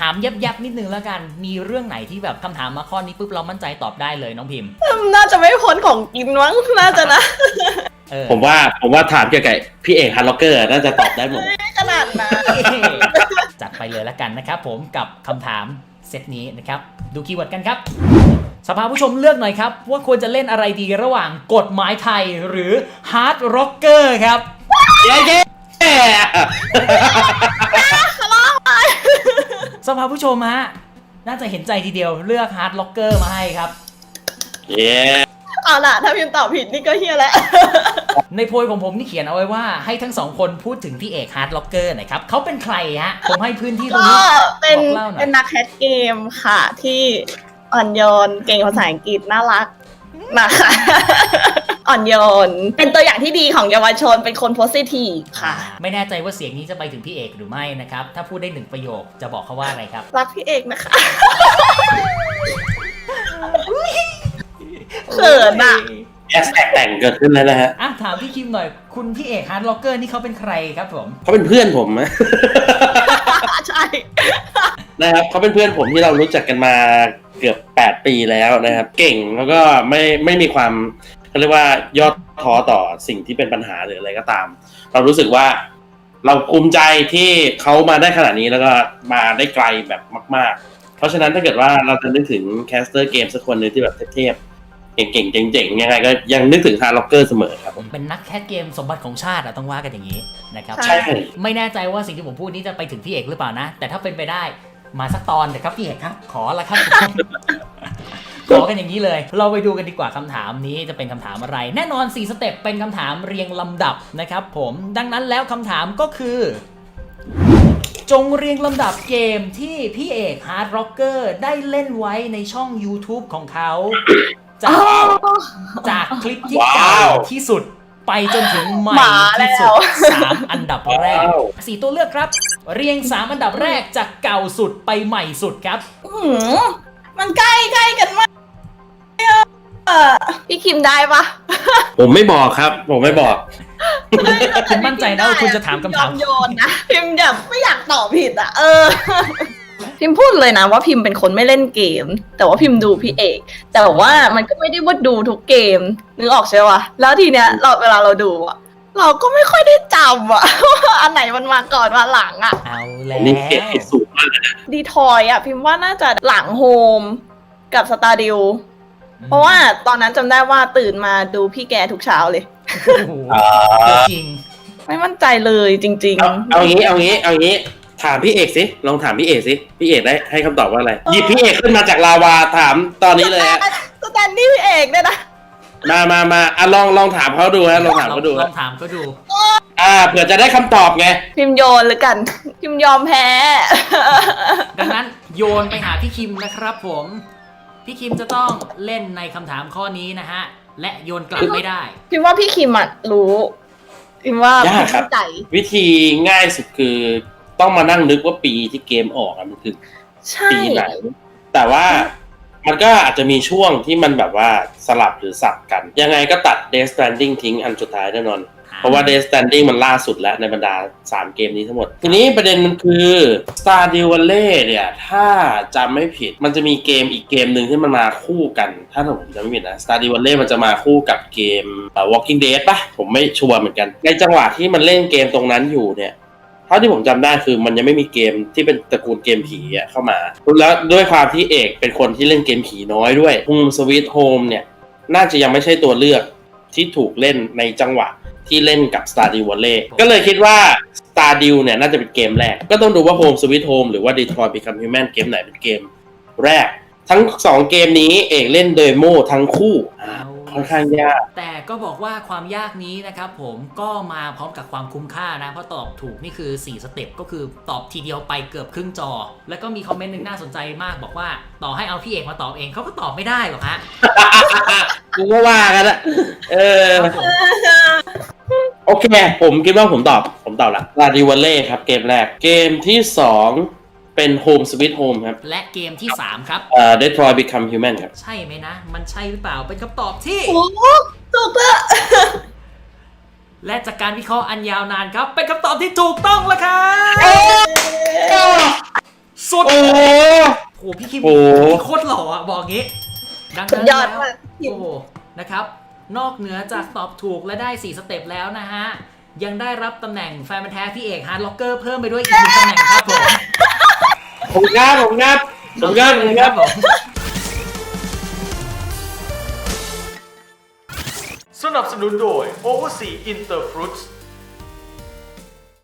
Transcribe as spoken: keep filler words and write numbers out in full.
ามยับๆนิดนึงแล้วกันมีเรื่องไหนที่แบบคำถามมาข้อนี้ปุ๊บเรามั่นใจตอบได้เลยน้องพิมพ์น่าจะไม่พ้นของกินมั้งน่าจะนะผมว่าผมว่าถามเกี่ยวกับพี่เอกฮาร์ดล็อกเกอร์น่าจะตอบได้หมดขนาดนั้นจัดไปเลยแล้วกันนะครับผมกับคำถามเซตนี้นะครับดูคีย์เวิร์ดกันครับสภาผู้ชมเลือกหน่อยครับว่าควรจะเล่นอะไรดีระหว่างกฎหมายไทยหรือฮาร์ดร็อกเกอร์ครับเย้เย้สภาผู้ชมฮะน่าจะเห็นใจทีเดียวเลือกฮาร์ดล็อกเกอร์มาให้ครับเย้เอาล่ะถ้าพิมพ์ตอบผิดนี่ก็เฮียแล้วในโพยของผมนี่เขียนเอาไว้ว่าให้ทั้งสองคนพูดถึงพี่เอกฮาร์ดล็อกเกอร์หน่อยครับเขาเป็นใครฮะผมให้พื้นที่ตรงนี้เป็นเป็นนักแคสเกมค่ะที่อ่อนโยนเก่งภาษาอังกฤษน่ารักนะคะอ่อนโยนเป็นตัวอย่างที่ดีของเยาวชนเป็นคนโพสิทีฟค่ะไม่แน่ใจว่าเสียงนี้จะไปถึงพี่เอกหรือไม่นะครับถ้าพูดได้หนึ่งประโยคจะบอกเขาว่าอะไรครับรักพี่เอกนะคะเขินอ่ะแอสแท็กแต่งเกิดขึ้นแล้วนะฮะอ่ะถามพี่คิมหน่อยคุณพี่เอกฮาร์ดล็อกเกอร์นี่เขาเป็นใครครับผมเขาเป็นเพื่อนผมนะใช่นะครับเขาเป็นเพื่อนผมที่เรารู้จักกันมาเกือบแปดปีแล้วนะครับเก่งแล้วก็ไม่ไม่มีความเขาเรียกว่ายอดท้อต่อสิ่งที่เป็นปัญหาหรืออะไรก็ตามเรารู้สึกว่าเราภูมิใจที่เขามาได้ขนาดนี้แล้วก็มาได้ไกลแบบมากๆเพราะฉะนั้นถ้าเกิดว่าเราจะนึกถึงแคสเตอร์เกมสักคนนึงที่แบบเทพๆเก่งๆเจ๋งๆยังไงก็ยังนึกถึงฮาร์ดล็อกเกอร์เสมอครับผมเป็นนักแคสเกมสมบัติของชาติอะต้องว่ากันอย่างนี้นะครับใช่ไม่แน่ใจว่าสิ่งที่ผมพูดนี้จะไปถึงพี่เอกหรือเปล่านะแต่ถ้าเป็นไปได้มาสักตอนเถอะครับพี่เอกครับขอละครับขอกันอย่างนี้เลยเราไปดูกันดีกว่าคำถามนี้จะเป็นคำถามอะไรแน่นอนสี่สเต็ปเป็นคำถามเรียงลำดับนะครับผมดังนั้นแล้วคำถามก็คือจงเรียงลำดับเกมที่พี่เอกฮาร์ดร็อกเกอร์ได้เล่นไว้ในช่อง YouTube ของเขาจากจากคลิปที่เก่าที่สุดไปจนถึงใหม่ที่สุดสามอันดับแรกสี่ตัวเลือกครับเรียงสามอันดับแรกจากเก่าสุดไปใหม่สุดครับมันใกล้ใกล้กันมากพี่คิมได้ปะผมไม่บอกครับผมไม่บอกคุณมั่นใจนะว่าคุณจะถามคำถามโยนนะพิมแบบไม่อยากตอบผิดอ่ะเออพิมพูดเลยนะว่าพิมเป็นคนไม่เล่นเกมแต่ว่าพิมดูพี่เอกแต่ว่ามันก็ไม่ได้ว่าดูทุกเกมนึกออกใช่ปะแล้วทีเนี้ยเราเวลาเราดูอ่ะเราก็ไม่ค่อยได้จำอ่ะว่าอันไหนมันมาก่อนมาหลังอ่ะเอาแล้วนี่เกมที่สูงมากเลยนะดีทอยอ่ะพิมว่าน่าจะหลังโฮมกับสตาร์ดิวเพราะว่าตอนนั้นจำได้ว่าตื่นมาดูพี่แกทุกเช้าเลยจริงไม่มั่นใจเลยจริงๆเอางี้เอางี้เอางี้ถามพี่เอกสิลองถามพี่เอกสิพี่เอกได้ให้คำตอบว่าอะไรหยิบพี่เอกขึ้นมาจากลาวาถามตอนนี้เลยฮะสแตนดี้พี่เอกเนี่ยนะมามามาอ่ะลองลองถามเขาดูฮะลองถามเขาดูลองถามเขาดูอ่าเผื่อจะได้คำตอบไงพิมโยนหรือกันพิมยอมแพ้ดังนั้นโยนไปหาพี่คิมนะครับผมพี่คิมจะต้องเล่นในคำถามข้อนี้นะฮะและโยนกลับไม่ได้พิมว่าพี่คิมอ่ะรู้พิมว่ายากครับวิธีง่ายสุดคือต้องมานั่งนึกว่าปีที่เกมออกมันคือปีไหนแต่ว่ามันก็อาจจะมีช่วงที่มันแบบว่าสลับหรือสับกันยังไงก็ตัด Death Stranding ทิ้งอันสุดท้ายแน่นอนเพราะว่า Death Stranding มันล่าสุดแล้วในบรรดาสามเกมนี้ทั้งหมดทีนี้ประเด็นมันคือ Stardew Valley เนี่ยถ้าจำไม่ผิดมันจะมีเกมอีกเกมหนึ่งที่มันมาคู่กันถ้าผมจำไม่ผิดนะ Stardew Valley มันจะมาคู่กับเกม Walking Dead ป่ะผมไม่ชัวร์เหมือนกันในจังหวะที่มันเล่นเกมตรงนั้นอยู่เนี่ยเท่าที่ผมจำได้คือมันยังไม่มีเกมที่เป็นตระกูลเกมผีอ่ะเข้ามาแล้วด้วยความที่เอกเป็นคนที่เล่นเกมผีน้อยด้วย Home Sweet Home เนี่ยน่าจะยังไม่ใช่ตัวเลือกที่ถูกเล่นในจังหวะที่เล่นกับ Stardew Valley ก็เลยคิดว่า Stardew เนี่ยน่าจะเป็นเกมแรกก็ต้องดูว่า Home Sweet Home หรือว่า Detroit Become Human เกมไหนเป็นเกมแรกทั้งสองเกมนี้เอกเล่นเดโมทั้งคู่ค่อนข้างยากแต่ก็บอกว่าความยากนี้นะครับผมก็มาพร้อมกับความคุ้มค่านะเพราะตอบถูกนี่คือสี่สเต็ปก็คือตอบทีเดียวไปเกือบครึ่งจอแล้วก็มีคอมเมนต์นึงน่าสนใจมากบอกว่าต่อให้เอาพี่เอกมาตอบเองเขาก็ตอบไม่ได้หรอกฮะกูก็ว่ากันละเออโอเคผมคิดว่าผมตอบผมตอบละ Stardew Valley ครับเกมแรกเกมที่สองเป็น Home Sweet Home ครับและเกมที่สามครับเอ่อ Detroit Become Human ครับใช่ไหมนะมันใช่หรือเปล่าเป็นคำตอบที่โอ้ถูกแล้วและจากการวิเคราะห์อันยาวนานครับเป็นคำตอบที่ถูกต้องแล้วครับสุดโอ้โอ้พี่คิมโอ้พี่โคตรหล่ออ่ะบอกงี้ดังสุนั้ดนยอดแล้วมากพิมโอ้โหนะครับนอกเหนือจากตอบถูกและได้สี่สเต็ปแล้วนะฮะยังได้รับตำแหน่งแฟนพันธุ์แท้พี่เอกฮาร์ดล็อกเกอร์เพิ่มไปด้วยอีกหนึ่งตำแหน่งครับผมผมงับผมงับผมงับผมงับผมสนับสนุนโดย Oversea Interfruits